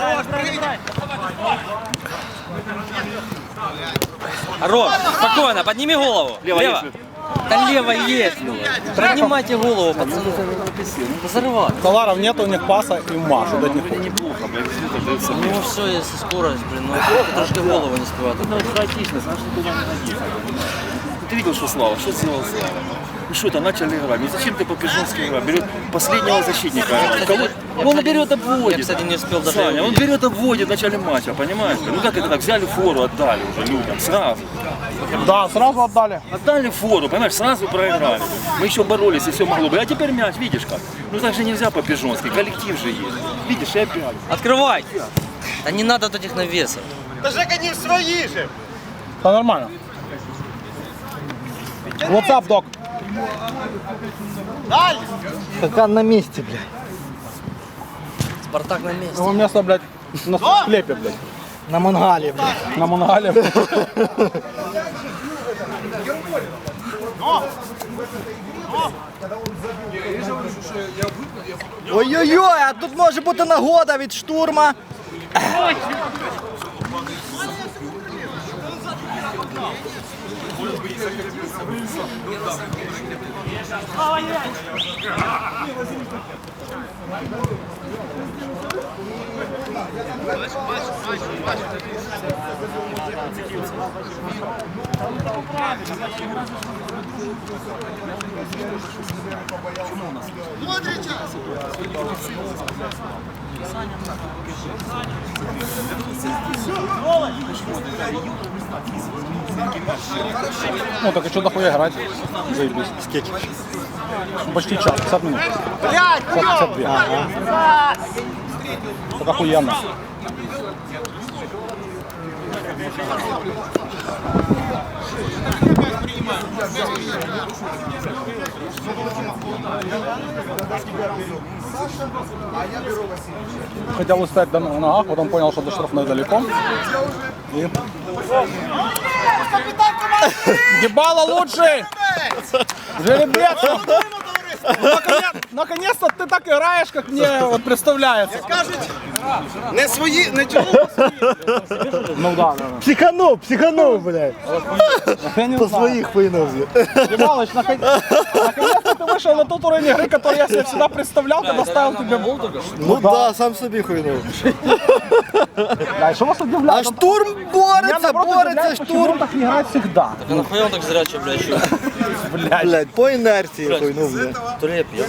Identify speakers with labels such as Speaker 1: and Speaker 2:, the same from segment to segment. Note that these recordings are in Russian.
Speaker 1: Ром, спокойно, подними голову. Лево. Да лево есть. Поднимайте голову, пацаны. Взорвать.
Speaker 2: Таларов нет у них паса и Машу дать не хочет.
Speaker 3: Неплохо, блядь.
Speaker 1: Ну все, если скорость, блин, ну трошки голову не спевает.
Speaker 3: Ну, хаотичность, значит, туда не ходить. Ты видел, что Слава? Что сделал Слава? Ну что это, начали играть. Ну зачем ты по-пижонски играешь? Берет последнего защитника. Он берет, обводит.
Speaker 1: Я, кстати, не успел даже.
Speaker 3: Саня, он берет, обводит в начале матча, понимаешь? Ну как это так? Взяли фору, отдали уже людям. Сразу.
Speaker 2: Да, сразу отдали.
Speaker 3: Отдали фору, понимаешь, сразу проиграли. Мы еще боролись, и все могло бы. А теперь мяч, видишь как? Ну так же нельзя по-пижонски, коллектив же есть. Видишь, и опять.
Speaker 1: Открывай! Да не надо вот этих навесов.
Speaker 4: Да Жека не свои же!
Speaker 2: Да нормально. What's up, док?
Speaker 4: Даль!
Speaker 5: Стакан на месте, блядь.
Speaker 1: Спартак на месте.
Speaker 2: Его место, блядь, на склепе, блядь.
Speaker 5: На мангале, блядь.
Speaker 2: На мангале.
Speaker 5: Ой-ой-ой, а тут може бути нагода від штурма.
Speaker 2: Ну так и что дохуя играть? Заебись. Скетч. Почти час, 50 минут. 52. Ага. Так охуенно. Хотел успеть на ногах, потом понял, что до штрафной далеко. И... Дебало лучший! Жеребец! Наконец-то ты так играешь, как мне вот представляется.
Speaker 4: Кажуть, не свої, не чого.
Speaker 2: Ну да.
Speaker 5: Психанув, блядь.
Speaker 2: Я не
Speaker 5: По
Speaker 2: знаю.
Speaker 5: своїх пойнув.
Speaker 2: Дебалыч, наконец-то ты вышел на тот уровень игры, который я себе всегда представлял, когда ставил тебе гол только что.
Speaker 5: Ну да, сам собі хуйнув.
Speaker 2: Да, и что вас удивляет?
Speaker 5: А штурм
Speaker 2: Меня
Speaker 5: бореться,
Speaker 2: наоборот
Speaker 5: бореться,
Speaker 2: удивляет, почему он
Speaker 5: штурм.
Speaker 2: так не играет всегда.
Speaker 1: Так а нахуя он так зрячий, блядь, еще?
Speaker 2: Блядь.
Speaker 5: Блядь, по інерції хуйнув, блядь.
Speaker 1: То ли я пьяный.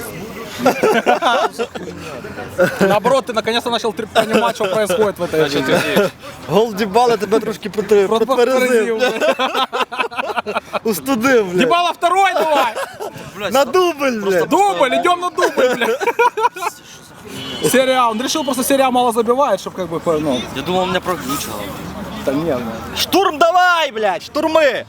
Speaker 2: Наоборот, ты наконец-то начал понимать, что происходит в этой игре.
Speaker 5: Гол Дібала тебе трошки підтверезив.
Speaker 2: Подтвердил, блядь.
Speaker 5: Устудив, блядь.
Speaker 2: Дебало второй давай!
Speaker 5: На дубль, блядь.
Speaker 2: Дубль, идем на дубль, блядь. Серия, он решил просто серия мало забивает, чтобы как бы, ну,
Speaker 1: Я думал, меня проглючило.
Speaker 2: да нет, ну.
Speaker 5: Штурм давай, блядь, штурми!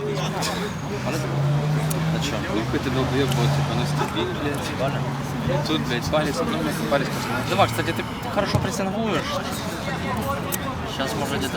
Speaker 1: А чё?
Speaker 6: Какой-то долбоёб будет, типа, ну ступить, блядь. Тут, блядь, палец, палец коснулся.
Speaker 1: Давай, кстати, ты хорошо прессингуешь. Сейчас, может, где-то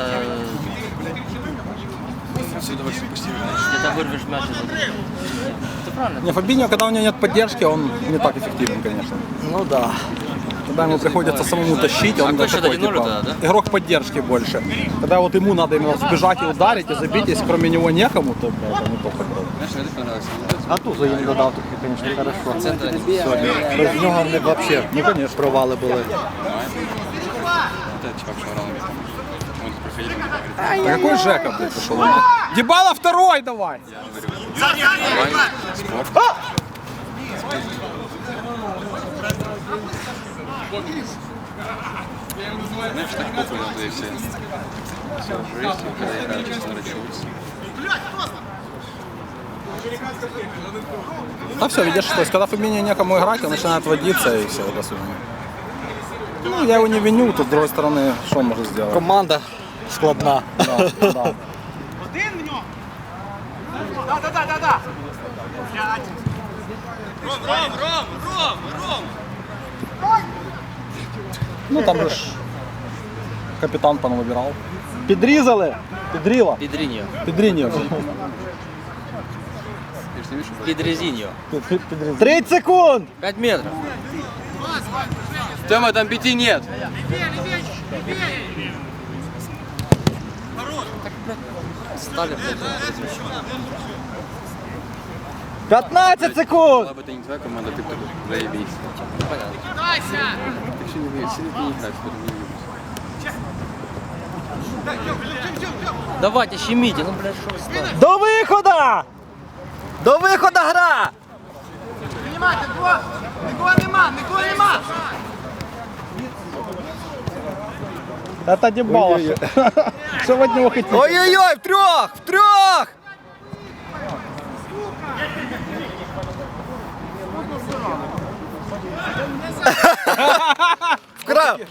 Speaker 6: Отсюда вообще почти
Speaker 1: вырвешь мяч. Ты правильно?
Speaker 2: Не, Фабиньо, когда у него нет поддержки, он не так эффективен, конечно.
Speaker 5: Ну да.
Speaker 2: Когда ему приходится самому тащить, он
Speaker 1: какой счет,
Speaker 2: такой,
Speaker 1: 1-0
Speaker 2: типа,
Speaker 1: тогда, да?
Speaker 2: игрок поддержки больше. Когда вот ему надо именно сбежать и ударить, и забить, если кроме него некому, то, бля, это не то футбол.
Speaker 6: знаешь, мне это понравилось.
Speaker 5: А Туза їм додав таки, звісно, хорошо.
Speaker 6: Центр они
Speaker 5: Без нього в них взагалі провали були.
Speaker 6: вот этот чувак шарал мне там. Мы тут проходили, мне говорит,
Speaker 2: А какой Жека, блядь, пошел? Дебало второй давай!
Speaker 6: спорт. Знаешь, так похуй на туда и все. Все уже есть, и когда играют, честно говоря, чувствуется.
Speaker 2: А все, видишь, то есть когда Фабиньо некому играть, он начинает водиться и все, до свидания. Ну, я его не виню, тут с другой стороны, что он может сделать?
Speaker 5: Команда складна.
Speaker 2: Да, да.
Speaker 4: Один в нього. Да. Ром!
Speaker 2: Ну там же ж капитан понавыбирал.
Speaker 5: Підрізали? Підріла.
Speaker 1: Педриньо.
Speaker 2: Педриньо.
Speaker 6: Ты же не видишь, что
Speaker 1: Педрезиньо.
Speaker 5: 30 секунд!
Speaker 1: 5 метров.
Speaker 6: Тёма, там 5 нет.
Speaker 1: Стали, блядь,
Speaker 5: 15 секунд!
Speaker 6: Была бы это не твоя команда, ты бы такой, заебись.
Speaker 1: понятно.
Speaker 6: Так что не выйдешь, сидит и не играть, что не любишь.
Speaker 1: Давайте, щемите, ну, блядь, что вы стали?
Speaker 5: До виходу! До виходу гра!
Speaker 4: Піднімайте, нікого нема, нікого нема.
Speaker 2: Это дебало. Что вы от него хотите?
Speaker 5: Ой-ой-ой, втрьох! Втрьох! Вкрав!